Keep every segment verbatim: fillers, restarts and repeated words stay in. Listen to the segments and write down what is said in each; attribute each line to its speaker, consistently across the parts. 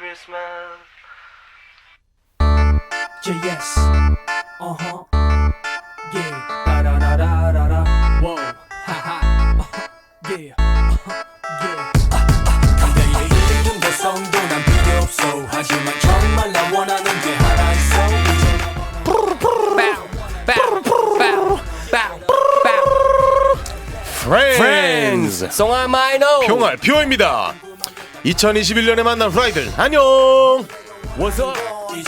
Speaker 1: Christmas.
Speaker 2: Yeah, yes. Uh huh. Yeah. Da da da da da da. Whoa. Ha ha. Uh-huh. Yeah. Uh-huh. Yeah. 근데 이름 대성도 난 필요 없어. 하지만 정말 나 원하는 게 하나 있어.
Speaker 3: Friends.
Speaker 4: 송아 마이너
Speaker 3: 평알 표입니다. 이천이십일 년에 만난 프라이들 안녕.
Speaker 4: What's up?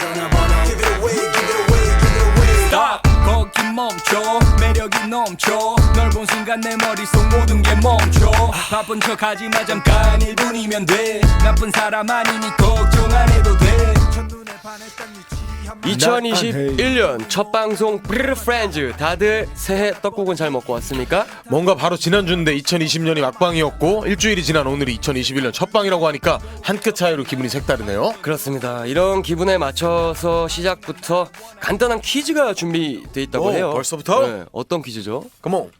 Speaker 2: Stop. 거기 멈춰. 매력이 넘쳐. 널 본 순간 내 머릿속 모든 게 멈춰. 바쁜 척하지마 잠깐 일 분이면 돼. 나쁜 사람 아니니 걱정 안 해도 돼. 첫눈에 반했던 위치
Speaker 4: 이천이십일 년 첫 방송 프렌즈. 다들 새해 떡국은 잘 먹고 왔습니까?
Speaker 3: 뭔가 바로 지난주인데 이천이십 년이 막방이었고 일주일이 지난 오늘이 이천이십일 년 첫방이라고 하니까 한 끗 차이로 기분이 색다르네요.
Speaker 4: 그렇습니다. 이런 기분에 맞춰서 시작부터 간단한 퀴즈가 준비돼 있다고
Speaker 3: 오,
Speaker 4: 해요.
Speaker 3: 벌써부터?
Speaker 4: 네, 어떤 퀴즈죠?
Speaker 3: 컴온.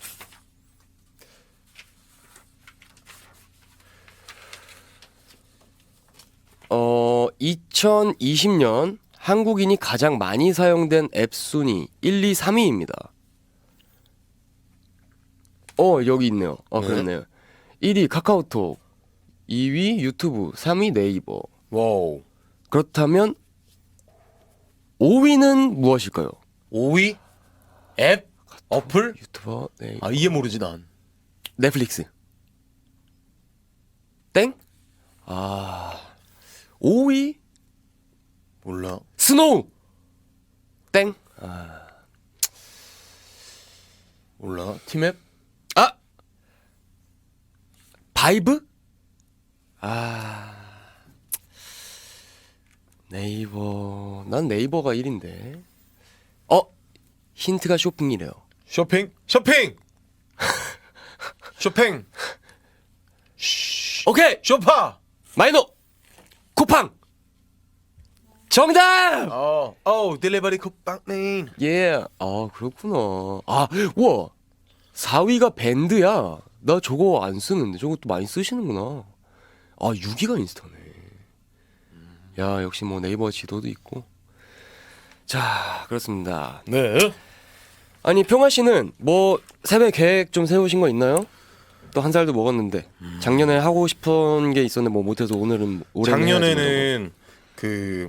Speaker 4: 어, 이천이십 년 한국인이 가장 많이 사용된 앱 순위 일, 이, 삼 위입니다. 어, 여기 있네요. 어,
Speaker 3: 네.
Speaker 4: 그렇네요. 일 위 카카오톡, 이 위 유튜브, 삼 위 네이버.
Speaker 3: 와우.
Speaker 4: 그렇다면 오 위는 무엇일까요?
Speaker 3: 오 위 앱 어플?
Speaker 4: 유튜버, 네이버.
Speaker 3: 아 이게 모르지 난.
Speaker 4: 넷플릭스. 땡? 아, 오 위
Speaker 3: 몰라.
Speaker 4: 스노우. 땡.
Speaker 3: 몰라. 팀앱?
Speaker 4: 아, 바이브? 아, 네이버. 난 네이버가 일 위인데. 어, 힌트가 쇼핑이래요.
Speaker 3: 쇼핑? 쇼핑. 쇼핑.
Speaker 4: 오케이,
Speaker 3: 쇼파.
Speaker 4: 마이너 쿠팡. 정답.
Speaker 3: 어. 어, 딜리버리 쿠팡맨.
Speaker 4: 예. 아, 그렇구나. 아, 우와. 사 위가 밴드야. 나 저거 안 쓰는데 저것도 많이 쓰시는구나. 아, 육 위가 인스타네. 야, 역시 뭐 네이버 지도도 있고. 자, 그렇습니다.
Speaker 3: 네.
Speaker 4: 아니, 평화 씨는 뭐 새해 계획 좀 세우신 거 있나요? 또 한 살도 먹었는데 작년에 하고 싶은 게 있었는데 뭐 못해서 오늘은 올해
Speaker 3: 작년에는 그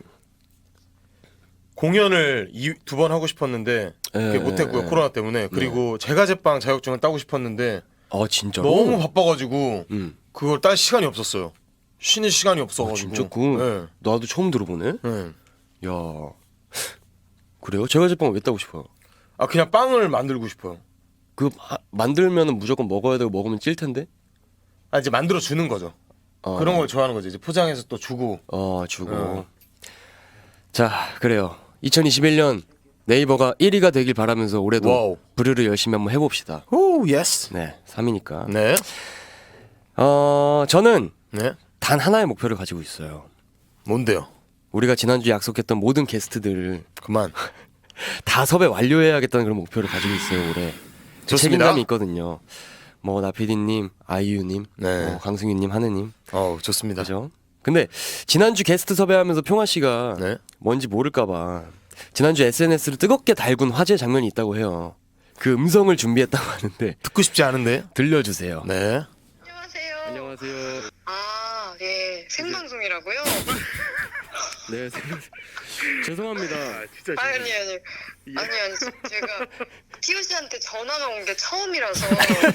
Speaker 3: 공연을 두 번 하고 싶었는데 그게
Speaker 4: 예,
Speaker 3: 못했고요.
Speaker 4: 예.
Speaker 3: 코로나 때문에. 그리고 제과 제빵 자격증을 따고 싶었는데
Speaker 4: 아, 진짜로?
Speaker 3: 너무 바빠가지고
Speaker 4: 음.
Speaker 3: 그걸 딸 시간이 없었어요. 쉬는 시간이 없어가지고.
Speaker 4: 진짜 그
Speaker 3: 네.
Speaker 4: 나도 처음 들어보네.
Speaker 3: 네.
Speaker 4: 야, 그래요? 제가 제빵을 왜 따고 싶어요?
Speaker 3: 아 그냥 빵을 만들고 싶어요.
Speaker 4: 그 하, 만들면은 무조건 먹어야 되고 먹으면 찔 텐데.
Speaker 3: 아 이제 만들어 주는 거죠.
Speaker 4: 어,
Speaker 3: 그런 걸 좋아하는 거지. 이제 포장해서 또 주고.
Speaker 4: 어, 주고.
Speaker 3: 어.
Speaker 4: 자, 그래요. 이천이십일 년 네이버가 일 위가 되길 바라면서 올해도
Speaker 3: 와우.
Speaker 4: 부르를 열심히 한번 해봅시다.
Speaker 3: 오 예스.
Speaker 4: 네, 삼 위니까.
Speaker 3: 네.
Speaker 4: 어, 저는
Speaker 3: 네.
Speaker 4: 단 하나의 목표를 가지고 있어요.
Speaker 3: 뭔데요?
Speaker 4: 우리가 지난주에 약속했던 모든 게스트들
Speaker 3: 그만.
Speaker 4: 다 섭외 완료해야겠다는 그런 목표를 가지고 있어요, 올해. 그
Speaker 3: 좋습니다.
Speaker 4: 책임감이 있거든요. 뭐 나피디님, 아이유님,
Speaker 3: 네.
Speaker 4: 뭐 강승윤님, 하느님,
Speaker 3: 어 좋습니다.
Speaker 4: 그죠? 근데 지난주 게스트 섭외하면서 평화 씨가
Speaker 3: 네.
Speaker 4: 뭔지 모를까봐 지난주 에스엔에스를 뜨겁게 달군 화제 장면이 있다고 해요. 그 음성을 준비했다고 하는데
Speaker 3: 듣고 싶지 않은데.
Speaker 4: 들려주세요.
Speaker 3: 네.
Speaker 5: 안녕하세요.
Speaker 4: 안녕하세요.
Speaker 5: 아, 예. 생방송이라고요?
Speaker 4: 네, 죄송합니다.
Speaker 5: 아니, 아니, 아니. 아니, 아니. 제가 티오 씨한테 전화가 온 게 처음이라서.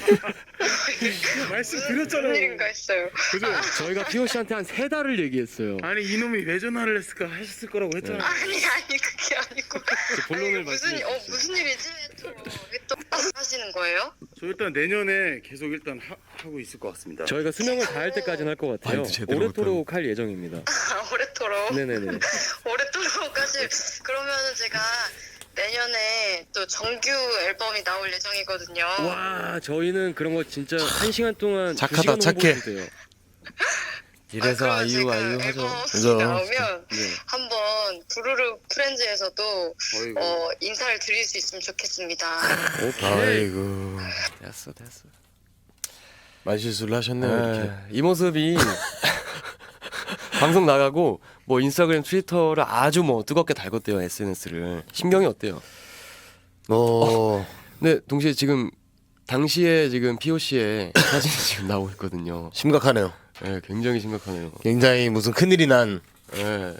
Speaker 6: 말씀
Speaker 5: 무슨,
Speaker 6: 드렸잖아요.
Speaker 5: 무슨 일인가 했어요.
Speaker 6: 그죠?
Speaker 4: 저희가 피오 씨한테 한 세 달을 얘기했어요.
Speaker 6: 아니 이놈이 왜 전화를 했을까 하셨을 거라고 했잖아요.
Speaker 5: 아니, 아니, 그게 아니고.
Speaker 4: 본론을
Speaker 5: 아니, 무슨,
Speaker 4: 말씀해
Speaker 5: 어,
Speaker 4: 주시죠.
Speaker 5: 무슨 일이지? 또, 왜또 하시는 거예요?
Speaker 6: 저 일단 내년에 계속 일단 하, 하고 있을 것 같습니다.
Speaker 4: 저희가 수명을 다할 때까지는 할 것 같아요.
Speaker 3: 아이도 제대로
Speaker 4: 오래도록 할 예정입니다.
Speaker 5: 아, 오래도록.
Speaker 4: 네네네.
Speaker 5: 오래도록까지. 그러면은 제가 내년에 또 정규 앨범이 나올 예정이거든요.
Speaker 4: 와, 저희는 그런 거 진짜 한 시간 동안
Speaker 3: 착하다,
Speaker 4: 두 시간
Speaker 3: 착해.
Speaker 4: 홍보해도 돼요.
Speaker 3: 이래서
Speaker 5: 그러면
Speaker 3: 아이유
Speaker 5: 제가
Speaker 3: 아이유 하죠.
Speaker 5: 앨범이
Speaker 3: 그죠?
Speaker 5: 나오면
Speaker 4: 네.
Speaker 5: 한번 부르르 프렌즈에서도
Speaker 6: 어이구.
Speaker 5: 어, 인사를 드릴 수 있으면 좋겠습니다.
Speaker 4: 오케이.
Speaker 3: 아이고.
Speaker 4: 됐어, 됐어.
Speaker 3: 말실수를 하셨네요. 이렇게.
Speaker 4: 아, 이 모습이 방송 나가고 뭐 인스타그램, 트위터를 아주 뭐 뜨겁게 달궜대요 에스엔에스를. 심경이 어때요?
Speaker 3: 어,
Speaker 4: 근데 동시에 지금 당시에 지금 피오씨의 사진이 지금 나오고 있거든요.
Speaker 3: 심각하네요.
Speaker 4: 예, 굉장히 심각하네요.
Speaker 3: 굉장히 무슨 큰일이 난.
Speaker 4: 예.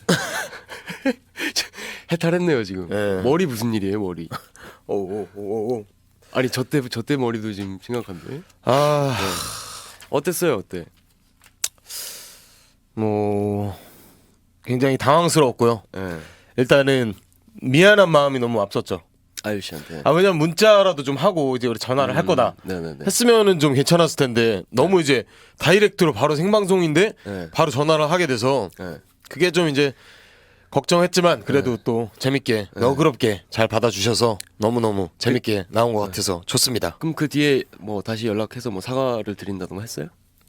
Speaker 4: 해탈했네요 지금.
Speaker 3: 예.
Speaker 4: 머리 무슨 일이에요 머리?
Speaker 3: 오오오오.
Speaker 4: 아니 저때 저때 머리도 지금 심각한데.
Speaker 3: 아,
Speaker 4: 어땠어요 어때?
Speaker 3: 뭐 굉장히 당황스러웠고요.
Speaker 4: 예.
Speaker 3: 일단은 미안한 마음이 너무 앞섰죠.
Speaker 4: 아유 씨한테.
Speaker 3: 아 왜냐면 문자라도 좀 하고 이제 우리 전화를 할 거다.
Speaker 4: 네네네.
Speaker 3: 했으면은 좀 괜찮았을 텐데 너무 이제 다이렉트로 바로 생방송인데
Speaker 4: 네.
Speaker 3: 바로 전화를 하게 돼서
Speaker 4: 네.
Speaker 3: 그게 좀 이제 걱정했지만 그래도 또 재밌게 너그럽게 잘 받아주셔서 너무너무 재밌게 나온 것 같아서 좋습니다.
Speaker 4: 그럼 그 뒤에 뭐 다시 연락해서 뭐 사과를 드린다던가 했어요?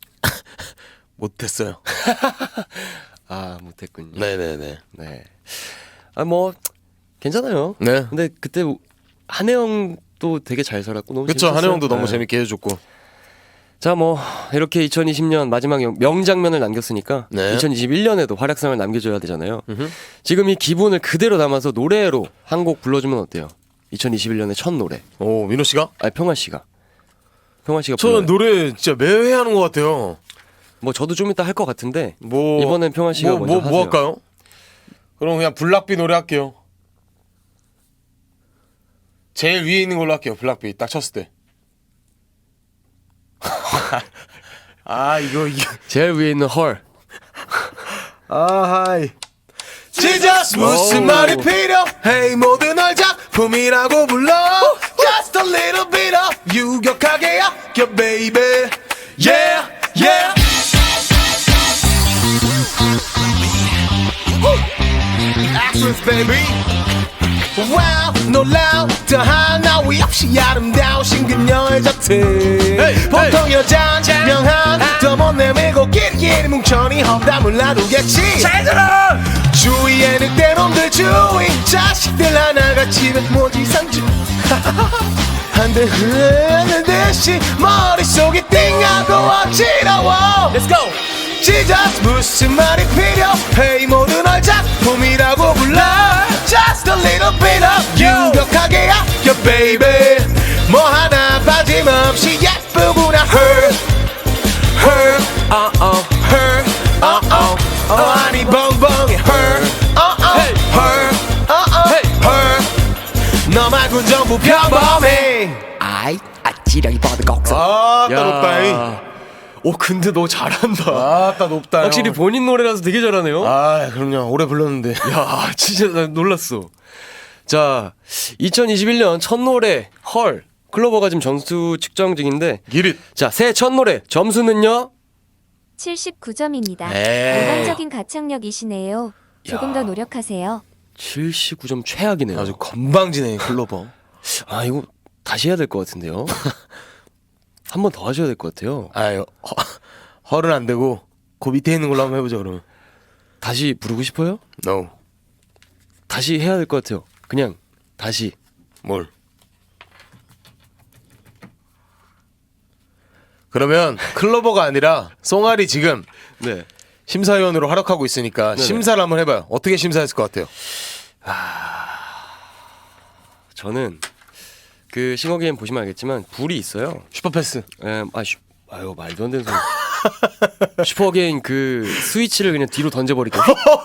Speaker 3: 못했어요.
Speaker 4: 아 못했군요.
Speaker 3: 네네네.
Speaker 4: 네. 아 뭐 괜찮아요.
Speaker 3: 네.
Speaker 4: 근데 그때 한혜영도 되게 잘 살았고 너무
Speaker 3: 그쵸.
Speaker 4: 재밌었어요.
Speaker 3: 한혜영도 너무
Speaker 4: 네.
Speaker 3: 재밌게 해줬고.
Speaker 4: 자, 뭐 이렇게 이천이십 년 마지막 영- 명장면을 남겼으니까
Speaker 3: 네.
Speaker 4: 이천이십일 년에도 활약상을 남겨줘야 되잖아요.
Speaker 3: 음흠.
Speaker 4: 지금 이 기분을 그대로 담아서 노래로 한 곡 불러주면 어때요? 이천이십일 년의 첫 노래.
Speaker 3: 오 민호 씨가?
Speaker 4: 아니 평화 씨가. 평화 씨가
Speaker 3: 저는
Speaker 4: 불러요.
Speaker 3: 노래 진짜 매회 하는 것 같아요.
Speaker 4: 뭐 저도 좀 이따 할 것 같은데
Speaker 3: 뭐
Speaker 4: 이번엔 평화 씨가
Speaker 3: 뭐,
Speaker 4: 먼저
Speaker 3: 뭐, 뭐
Speaker 4: 하세요.
Speaker 3: 할까요? 그럼 그냥 블락비 노래 할게요. 제일 위에 있는 걸로 할게요. 블락비 딱 쳤을 때. 아 이거 이거.
Speaker 4: 제일 위에 있는 헐.
Speaker 3: 아 하이. Jesus 무슨 말이 필요해 모든 널 작품이라고 불러 Just a little bit of 유격하게 아껴 baby Yeah yeah Actress baby Wow 놀라운 더 하나위 없이 아름다우신 그녀의 자태 보통 여잔 명한 더 못 내밀고 끼리끼리 뭉쳐니 험담을 나누겠지 잘 들어 주위에 늑대놈들 주위 자식들 하나같이 백모지 상주 한대 흐르는 듯이 머릿속이 띵하고 어지러워 Let's go Jesus 무슨 말이 필요해 모든 널 작품이라고 불러 Just a little bit of 유격하게 아껴 baby 뭐 하나 빠짐없이 예쁘구나 her her uh oh her uh oh 어 아니 벙벙이 her uh oh her uh oh her 너 말곤 전부 평범해
Speaker 4: 아이 아찌랑이 버드 곡선.
Speaker 3: 아따 높다잉
Speaker 4: 오 근데 너 잘한다.
Speaker 3: 아따 높다
Speaker 4: 확실히 본인 노래라서 되게 잘하네요.
Speaker 3: 아 그럼요 오래 불렀는데
Speaker 4: 야 진짜 나 놀랐어. 자 이천이십일 년 첫 노래 헐 클로버가 지금 점수 측정 중인데
Speaker 3: 기릿
Speaker 4: 자 새해 첫 노래 점수는요?
Speaker 1: 칠십구 점입니다.
Speaker 3: 에이.
Speaker 1: 일반적인 가창력이시네요. 조금
Speaker 4: 야.
Speaker 1: 더 노력하세요.
Speaker 4: 칠십구 점 최악이네요.
Speaker 3: 아주 건방지네 클로버
Speaker 4: 아 이거 다시 해야 될 것 같은데요. 한 번 더 하셔야 될 것 같아요.
Speaker 3: 아유 허, 헐은 안 되고 그 밑에 있는 걸로 한번 해보자 그러면
Speaker 4: 다시 부르고 싶어요?
Speaker 3: No
Speaker 4: 다시 해야 될 것 같아요. 그냥 다시.
Speaker 3: 뭘 그러면 클로버가 아니라 송알이 지금
Speaker 4: 네.
Speaker 3: 심사위원으로 활약하고 있으니까
Speaker 4: 네네.
Speaker 3: 심사를 한번 해봐요 어떻게 심사했을 것 같아요
Speaker 4: 저는 그 싱어게임 보시면 알겠지만 불이 있어요.
Speaker 3: 슈퍼패스
Speaker 4: 에, 아, 슈, 아유 말도 안 되는 소리. 슈퍼게임 그 스위치를 그냥 뒤로 던져버릴게요.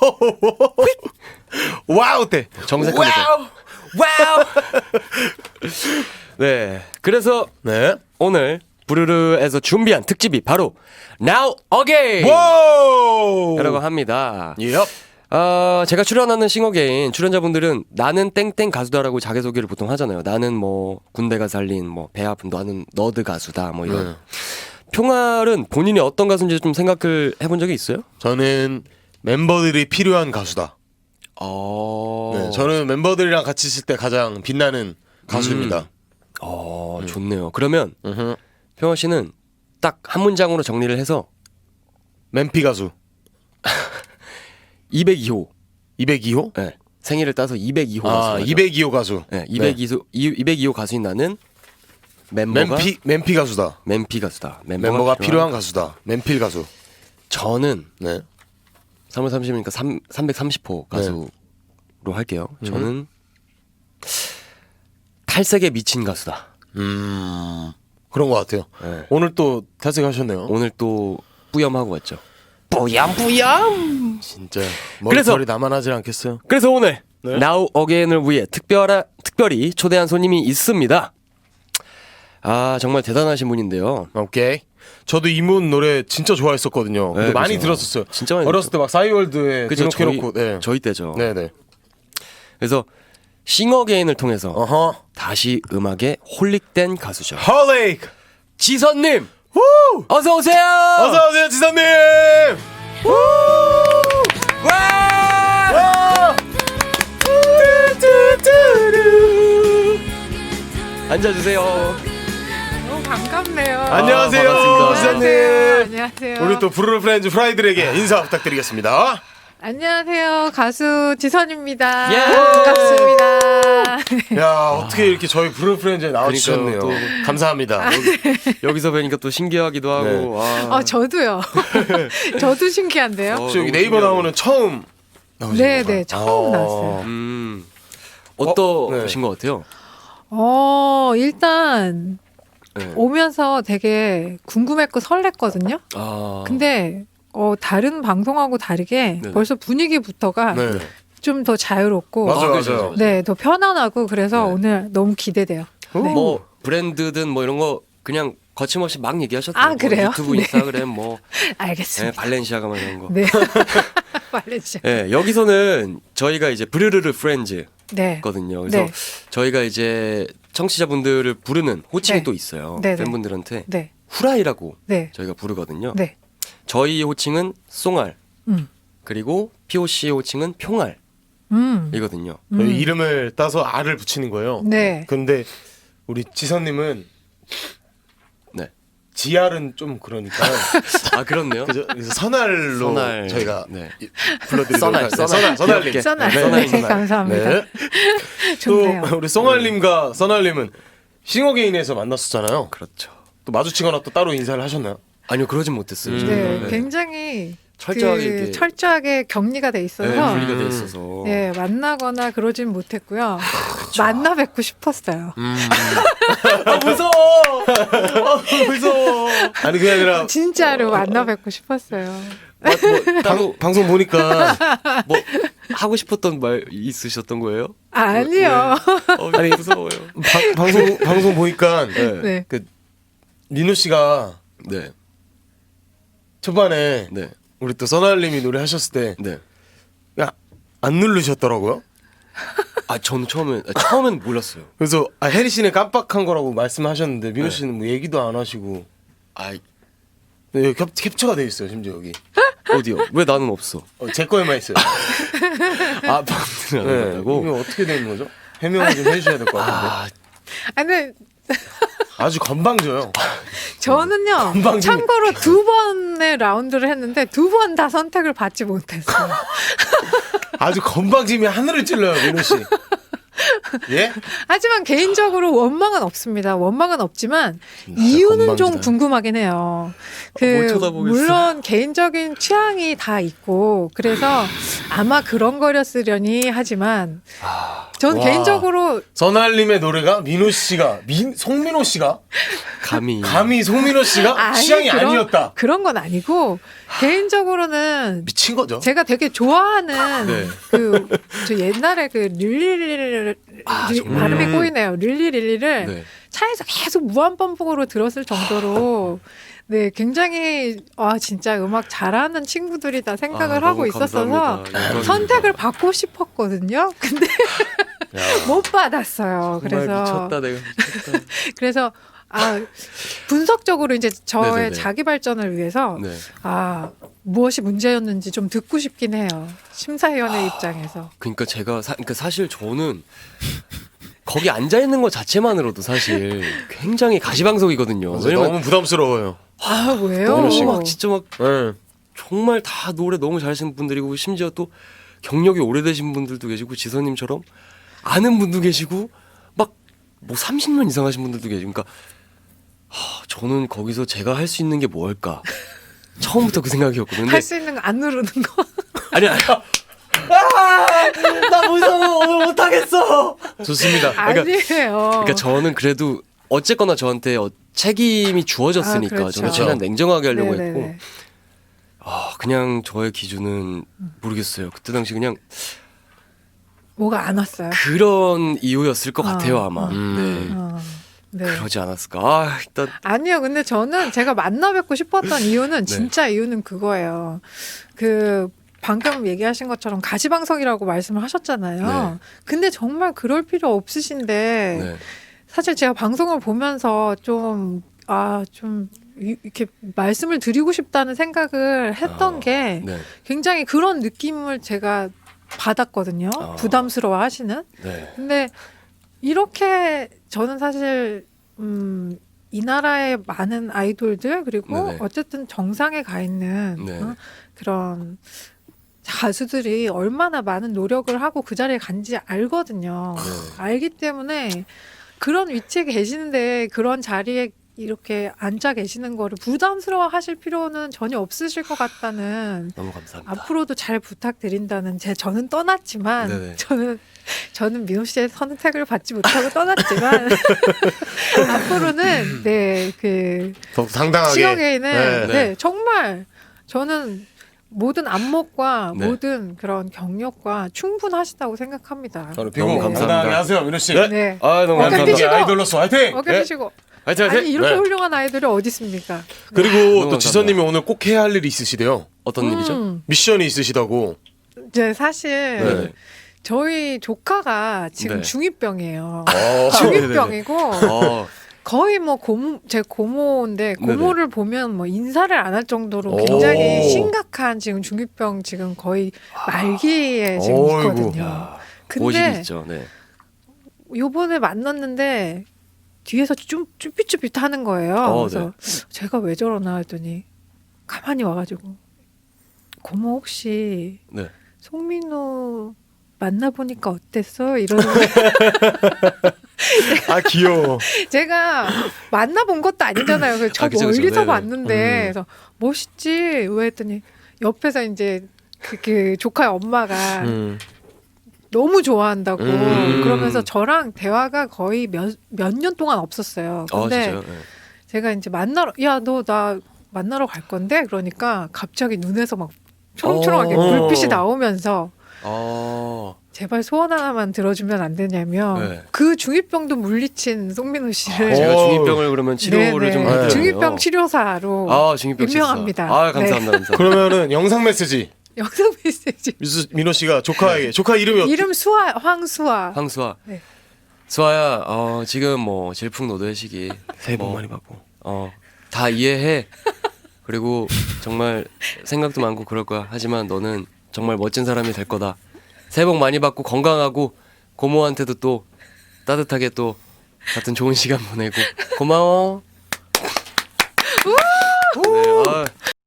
Speaker 3: 와우 때
Speaker 4: 정색하면서.
Speaker 3: 와우 와우
Speaker 4: 네. 그래서
Speaker 3: 네
Speaker 4: 오늘 부르르에서 준비한 특집이 바로 Now Again
Speaker 3: 와우
Speaker 4: 이라고 합니다.
Speaker 3: 예
Speaker 4: 어, 제가 출연하는 싱어게인 출연자분들은 나는 땡땡 가수다라고 자기소개를 보통 하잖아요. 나는 뭐 군대가 살린 뭐 배 아픈 나는 너드 가수다 뭐 이런.
Speaker 3: 네.
Speaker 4: 평알은 본인이 어떤 가수인지 좀 생각을 해본 적이 있어요?
Speaker 3: 저는 멤버들이 필요한 가수다
Speaker 4: 어.
Speaker 3: 네, 저는 멤버들이랑 같이 있을 때 가장 빛나는 가수입니다
Speaker 4: 어, 좋네요. 그러면
Speaker 3: 음흠.
Speaker 4: 평화 씨는 딱 한 문장으로 정리를 해서
Speaker 3: 맨피 가수
Speaker 4: 이백이 호.
Speaker 3: 이백이 호?
Speaker 4: 네. 생일을 따서 이백이 호
Speaker 3: 아
Speaker 4: 가수.
Speaker 3: 이백이 호 가수
Speaker 4: 네, 이백이 호 이백이 호 가수인 나는 멤버가
Speaker 3: 맨피 맨피 가수다
Speaker 4: 맨피 가수다. 멤버가,
Speaker 3: 멤버가
Speaker 4: 필요한
Speaker 3: 필요한 가수다 맨필 가수
Speaker 4: 저는
Speaker 3: 네
Speaker 4: 삼월 삼십일이니까 삼백삼십 호 가수로 할게요. 저는 탈색에 미친 가수다.
Speaker 3: 음 그런 것 같아요.
Speaker 4: 네.
Speaker 3: 오늘 또 탈색하셨네요.
Speaker 4: 오늘 또 뿌염하고 왔죠. 뿌염 뿌염.
Speaker 3: 진짜
Speaker 4: 그래서-
Speaker 3: 머리털이 남아나질 않겠어요.
Speaker 4: 그래서 오늘
Speaker 3: 네.
Speaker 4: Now Again을 위해 특별하, 특별히 초대한 손님이 있습니다. 아 정말 대단하신 분인데요.
Speaker 3: 오케이. 저도 이문 노래 진짜 좋아했었거든요.
Speaker 4: 네,
Speaker 3: 많이
Speaker 4: 그죠.
Speaker 3: 들었었어요.
Speaker 4: 진짜 많이
Speaker 3: 어렸을 때 막 싸이월드에
Speaker 4: 그죠, 저희,
Speaker 3: 등록해놓고. 네.
Speaker 4: 저희 때죠.
Speaker 3: 네네.
Speaker 4: 그래서 싱어게인을 통해서
Speaker 3: 어허.
Speaker 4: 다시 음악에 홀릭된 가수죠.
Speaker 3: 헐레이크.
Speaker 4: 지선님
Speaker 3: 우!
Speaker 4: 어서 오세요.
Speaker 3: 어서 오세요 지선님. 우!
Speaker 4: 와!
Speaker 3: 와! 뚜뚜뚜루.
Speaker 4: 앉아주세요.
Speaker 7: 너무 반갑네요.
Speaker 3: 안녕하세요
Speaker 4: 반갑습니다.
Speaker 3: 지선님.
Speaker 7: 안녕하세요. 안녕하세요.
Speaker 3: 우리 또 부르르 프렌즈 프라이들에게 인사 부탁드리겠습니다.
Speaker 7: 안녕하세요. 가수 지선입니다.
Speaker 4: 예.
Speaker 7: 반갑습니다.
Speaker 3: 야 어떻게 이렇게 저희 부르르 프렌즈에 나와주셨네요.
Speaker 4: 그러니까요, 또-
Speaker 3: 감사합니다.
Speaker 4: 여기서 뵈니까 또 신기하기도 하고.
Speaker 3: 네.
Speaker 4: 와.
Speaker 7: 어, 저도요. 저도 신기한데요.
Speaker 4: 어,
Speaker 3: 혹시 여기
Speaker 4: 너무
Speaker 3: 네이버
Speaker 4: 신기하네.
Speaker 3: 나오는 처음 나오신
Speaker 7: 네,
Speaker 3: 건가요?
Speaker 7: 네. 처음
Speaker 3: 어.
Speaker 7: 나왔어요.
Speaker 4: 음 어떠신
Speaker 3: 네.
Speaker 4: 것 같아요?
Speaker 7: 어, 일단
Speaker 4: 네.
Speaker 7: 오면서 되게 궁금했고 설렜거든요.
Speaker 4: 아
Speaker 7: 근데 어, 다른 방송하고 다르게
Speaker 4: 네네.
Speaker 7: 벌써 분위기부터가
Speaker 3: 네.
Speaker 7: 좀 더 자유롭고
Speaker 3: 맞아요,
Speaker 4: 아, 그죠,
Speaker 3: 맞아요.
Speaker 4: 그죠.
Speaker 7: 네, 더 편안하고 그래서
Speaker 4: 네.
Speaker 7: 오늘 너무 기대돼요. 네.
Speaker 4: 뭐 브랜드든 뭐 이런 거 그냥 거침없이 막 얘기하셨대요.
Speaker 7: 아,
Speaker 4: 뭐
Speaker 7: 그래요?
Speaker 4: 유튜브,
Speaker 7: 네.
Speaker 4: 인스타그램 뭐 네,
Speaker 7: 알겠습니다.
Speaker 4: 발렌시아가 뭐 이런 거.
Speaker 7: 네. 말레이시아.
Speaker 4: 네, 여기서는 저희가 이제 브르르르 프렌즈거든요.
Speaker 7: 네.
Speaker 4: 그래서
Speaker 7: 네.
Speaker 4: 저희가 이제 청취자분들을 부르는 호칭이
Speaker 7: 네.
Speaker 4: 또 있어요.
Speaker 7: 네, 네.
Speaker 4: 팬분들한테
Speaker 7: 네.
Speaker 4: 후라이라고
Speaker 7: 네.
Speaker 4: 저희가 부르거든요.
Speaker 7: 네.
Speaker 4: 저희 호칭은 송알
Speaker 7: 음.
Speaker 4: 그리고 피오씨의 호칭은 평알이거든요.
Speaker 7: 음.
Speaker 3: 저희 이름을 따서 R을 붙이는 거예요.
Speaker 7: 네.
Speaker 3: 근데 우리 지선님은
Speaker 4: 네.
Speaker 3: 지알은 좀 그러니까
Speaker 4: 아 그렇네요.
Speaker 3: 그죠? 그래서 선알로
Speaker 4: 선알.
Speaker 3: 저희가
Speaker 4: 네.
Speaker 3: 불러드리도록
Speaker 4: 선알,
Speaker 3: 할게요.
Speaker 4: 선알.
Speaker 3: 선알, 선알님.
Speaker 4: 귀엽게.
Speaker 7: 써나.
Speaker 4: 네,
Speaker 7: 네,
Speaker 3: 선알.
Speaker 7: 감사합니다.
Speaker 3: 네.
Speaker 7: 좋네요.
Speaker 3: 또 우리 송알님과 선알님은 싱어게인에서 만났었잖아요.
Speaker 4: 그렇죠.
Speaker 3: 또 마주치거나 또 따로 인사를 하셨나요?
Speaker 4: 아니요 그러진 못했어요.
Speaker 3: 음.
Speaker 7: 네,
Speaker 4: 저희가.
Speaker 7: 굉장히
Speaker 4: 철저하게
Speaker 7: 그
Speaker 4: 이렇게
Speaker 7: 철저하게 격리가 돼 있어서
Speaker 4: 네, 분리가 돼
Speaker 3: 음.
Speaker 4: 있어서.
Speaker 7: 네, 만나거나 그러진 못했고요. 만나 뵙고 싶었어요.
Speaker 4: 아 무서워. 아 무서워.
Speaker 3: 아니 그게 아니라
Speaker 7: 진짜로 만나 뵙고 싶었어요.
Speaker 4: 아, 뭐, 따로
Speaker 3: 방, 방송 보니까
Speaker 4: 뭐 하고 싶었던 말 있으셨던 거예요?
Speaker 7: 아니요.
Speaker 4: 어, 아니 무서워요.
Speaker 3: 방, 방송 방송 보니까
Speaker 4: 네.
Speaker 7: 네.
Speaker 3: 그 민호 씨가
Speaker 4: 네.
Speaker 3: 초반에
Speaker 4: 네.
Speaker 3: 우리 또 선알님이 노래 하셨을 때
Speaker 4: 네.
Speaker 3: 야, 안 누르셨더라고요.
Speaker 4: 아 저는 처음엔 아, 처음엔 몰랐어요.
Speaker 3: 그래서 아, 혜리 씨는 깜빡한 거라고 말씀하셨는데 민호
Speaker 4: 네.
Speaker 3: 씨는 뭐 얘기도 안 하시고
Speaker 4: 아
Speaker 3: 네, 캡, 캡처가 돼 있어요 심지어 여기.
Speaker 4: 어디요? 왜 나는 없어?
Speaker 3: 어, 제 거에만 있어요.
Speaker 4: 아 방송을 안
Speaker 3: 네,
Speaker 4: 한다고?
Speaker 3: 이게 어떻게 되는 거죠? 해명을 좀 해주셔야 될 것 같은데.
Speaker 4: 아
Speaker 7: 아, 근데
Speaker 3: 아주 건방져요.
Speaker 7: 저는요.
Speaker 3: 금방 좀-
Speaker 7: 참고로 두 번의 라운드를 했는데 두 번 다 선택을 받지 못했어요.
Speaker 3: 아주 건방짐이 하늘을 찔러요 민호 씨. 예?
Speaker 7: 하지만 개인적으로 원망은 없습니다. 원망은 없지만
Speaker 3: 진짜
Speaker 7: 이유는 좀
Speaker 3: 건방지다.
Speaker 7: 궁금하긴 해요. 그
Speaker 4: 뭘 쳐다보겠어.
Speaker 7: 물론 개인적인 취향이 다 있고 그래서 아마 그런 거렸으려니 하지만 전
Speaker 3: 와.
Speaker 7: 개인적으로
Speaker 3: 선알님의 노래가 민호 씨가 민 송민호 씨가
Speaker 4: 감히
Speaker 3: 감히 송민호 씨가
Speaker 7: 아니,
Speaker 3: 취향이
Speaker 7: 그런-
Speaker 3: 아니었다.
Speaker 7: 그런 건 아니고 개인적으로는
Speaker 3: 미친 거죠.
Speaker 7: 제가 되게 좋아하는
Speaker 4: 네.
Speaker 7: 그 저 옛날에 그 릴리릴리
Speaker 4: 아,
Speaker 7: 리-
Speaker 4: 정말.
Speaker 7: 발음이
Speaker 3: 음.
Speaker 7: 꼬이네요. 릴리릴리를
Speaker 4: 네.
Speaker 7: 차에서 계속 무한 반복으로 들었을 정도로 네 굉장히 아 진짜 음악 잘하는 친구들이다 생각을
Speaker 4: 아,
Speaker 7: 하고
Speaker 4: 너무
Speaker 7: 있었어서
Speaker 4: 감사합니다. 이거는
Speaker 7: 선택을 받고 싶었거든요. 근데
Speaker 3: 야.
Speaker 7: 못 받았어요.
Speaker 4: 정말
Speaker 7: 그래서
Speaker 4: 미쳤다 내가 미쳤다.
Speaker 7: 그래서 아 분석적으로 이제 저의
Speaker 4: 네네네.
Speaker 7: 자기 발전을 위해서
Speaker 4: 네.
Speaker 7: 아 무엇이 문제였는지 좀 듣고 싶긴 해요. 심사위원의 입장에서.
Speaker 4: 그러니까 제가 사, 그러니까 사실 저는 거기 앉아 있는 것 자체만으로도 사실 굉장히 가시방석이거든요.
Speaker 3: 맞아,
Speaker 4: 왜냐면
Speaker 3: 너무 부담스러워요.
Speaker 7: 아 왜요?
Speaker 4: 너무 막 진짜 막
Speaker 3: 네.
Speaker 4: 정말 다 노래 너무 잘하시는 분들이고 심지어 또 경력이 오래되신 분들도 계시고 지선님처럼 아는 분도 계시고 막 뭐 삼십 년 이상 하신 분들도 계시고 그러니까 하, 저는 거기서 제가 할 수 있는 게 뭘까 처음부터 그 생각이었거든요. 근데
Speaker 7: 할 수 있는 거 안 누르는 거.
Speaker 4: 아니 아니.
Speaker 2: 나 무서워 오늘 못하겠어.
Speaker 6: 좋습니다.
Speaker 4: 그러니까-
Speaker 7: 아니에요.
Speaker 4: 그러니까 저는 그래도 어쨌거나 저한테 어, 책임이 주어졌으니까
Speaker 7: 아, 그렇죠.
Speaker 4: 저는 최대한 냉정하게 하려고
Speaker 7: 네네네.
Speaker 4: 했고 아 그냥 저의 기준은 모르겠어요. 그때 당시 그냥
Speaker 7: 뭐가 안 왔어요.
Speaker 4: 그런 이유였을 것
Speaker 7: 아,
Speaker 4: 같아요 아마.
Speaker 6: 음.
Speaker 4: 네.
Speaker 7: 어, 네.
Speaker 4: 그러지 않았을까. 아 일단
Speaker 7: 아니요. 근데 저는 제가 만나 뵙고 싶었던 이유는 진짜 이유는 그거예요. 그 방금 얘기하신 것처럼 가시방석이라고 말씀을 하셨잖아요.
Speaker 4: 네.
Speaker 7: 근데 정말 그럴 필요 없으신데
Speaker 4: 네.
Speaker 7: 사실 제가 방송을 보면서 좀 아, 좀 이- 이렇게 말씀을 드리고 싶다는 생각을 했던
Speaker 4: 아,
Speaker 7: 게
Speaker 4: 네.
Speaker 7: 굉장히 그런 느낌을 제가 받았거든요.
Speaker 4: 아.
Speaker 7: 부담스러워 하시는.
Speaker 4: 네.
Speaker 7: 근데 이렇게 저는 사실 음, 이 나라의 많은 아이돌들 그리고
Speaker 4: 네네.
Speaker 7: 어쨌든 정상에 가 있는
Speaker 4: 네.
Speaker 7: 어, 그런 가수들이 얼마나 많은 노력을 하고 그 자리에 간지 알거든요.
Speaker 4: 네.
Speaker 7: 알기 때문에 그런 위치에 계시는데 그런 자리에 이렇게 앉아 계시는 거를 부담스러워 하실 필요는 전혀 없으실 것 같다는
Speaker 4: 너무 감사합니다.
Speaker 7: 앞으로도 잘 부탁드린다는 제 저는 떠났지만
Speaker 4: 네네.
Speaker 7: 저는 저는 민호 씨의 선택을 받지 못하고 떠났지만 앞으로는 네그
Speaker 3: 더욱 당당하게.
Speaker 7: 지역에는
Speaker 3: 네.
Speaker 7: 네,
Speaker 4: 네.
Speaker 7: 정말 저는 모든 안목과
Speaker 4: 네.
Speaker 7: 모든 그런 경력과 충분하시다고 생각합니다.
Speaker 6: 저는
Speaker 4: 너무
Speaker 6: 비공
Speaker 4: 감사합니다.
Speaker 6: 당당하게 하세요, 민호 씨.
Speaker 3: 네.
Speaker 7: 네.
Speaker 4: 아 너무
Speaker 7: 어깨
Speaker 4: 감사합니다.
Speaker 7: 펴시고.
Speaker 6: 아이돌로서 화이팅.
Speaker 7: 어깨
Speaker 3: 네.
Speaker 7: 펴시고
Speaker 4: 화이팅 화이팅.
Speaker 7: 아니 이렇게
Speaker 3: 네.
Speaker 7: 훌륭한 아이돌이 어디 있습니까?
Speaker 3: 그리고
Speaker 4: 너무
Speaker 3: 또
Speaker 4: 감사합니다.
Speaker 3: 지선님이 오늘 꼭 해야 할 일이 있으시대요.
Speaker 4: 어떤 일이죠?
Speaker 7: 음,
Speaker 3: 미션이 있으시다고.
Speaker 7: 이제 사실
Speaker 4: 네.
Speaker 7: 저희 조카가 지금
Speaker 4: 네.
Speaker 7: 중이병이에요.
Speaker 3: 어.
Speaker 7: 중이병이고
Speaker 4: 어,
Speaker 7: 거의 뭐 고모 제 고모인데 고모를 보면 뭐 인사를 안 할 정도로
Speaker 3: 오.
Speaker 7: 굉장히 심각한 지금 중이병 지금 거의 말기에 지금
Speaker 3: 어이구.
Speaker 7: 있거든요.
Speaker 4: 고집이
Speaker 7: 근데
Speaker 4: 있죠. 네.
Speaker 7: 요번에 만났는데 뒤에서 좀 쭈삣쭈삣 하는 거예요.
Speaker 4: 어,
Speaker 7: 그래서 제가 왜 저러나 했더니 가만히 와가지고 고모 혹시
Speaker 4: 네.
Speaker 7: 송민호 만나보니까 어땠어? 이러는 거예요.
Speaker 3: 아 귀여워.
Speaker 7: 제가 만나본 것도 아니잖아요. 그래서 저
Speaker 4: 아, 그죠, 그죠.
Speaker 7: 멀리서
Speaker 4: 네네.
Speaker 7: 봤는데
Speaker 4: 음.
Speaker 7: 그래서 멋있지? 왜 했더니 옆에서 이제 그, 그 조카의 엄마가
Speaker 3: 음.
Speaker 7: 너무 좋아한다고
Speaker 3: 음.
Speaker 7: 그러면서 저랑 대화가 거의 몇 몇 년 동안 없었어요.
Speaker 4: 어
Speaker 7: 근데
Speaker 4: 진짜요? 네.
Speaker 7: 제가 이제 만나러 야 너 나 만나러 갈 건데 그러니까 갑자기 눈에서 막 초롱초롱하게
Speaker 3: 어.
Speaker 7: 불빛이 나오면서
Speaker 4: 어.
Speaker 7: 제발 소원 하나만 들어주면 안 되냐면
Speaker 4: 네.
Speaker 7: 그 중이병도 물리친 송민호 씨를
Speaker 4: 제가
Speaker 3: 어.
Speaker 4: 중이병을 그러면 치료를
Speaker 7: 네네.
Speaker 4: 좀
Speaker 3: 네.
Speaker 4: 해드려요.
Speaker 7: 중이병 치료사로
Speaker 4: 아 중이병 치료사.
Speaker 7: 유명합니다.
Speaker 4: 아 감사합니다. 감사합니다.
Speaker 3: 그러면은 영상 메시지
Speaker 7: 영상 메시지
Speaker 3: 미수, 민호 씨가 조카에게 조카 이름이 어떻게?
Speaker 7: 이름 수아 황수아
Speaker 4: 황수아.
Speaker 7: 네.
Speaker 4: 수아야, 어, 지금 뭐 질풍노도의 시기.
Speaker 3: 새해 복
Speaker 4: 뭐,
Speaker 3: 많이 받고.
Speaker 4: 어, 다 이해해. 그리고 정말 생각도 많고 그럴 거야. 하지만 너는 정말 멋진 사람이 될 거다. 새해 복 많이 받고 건강하고 고모한테도 또 따뜻하게 또 같은 좋은 시간 보내고 고마워. 네, 아,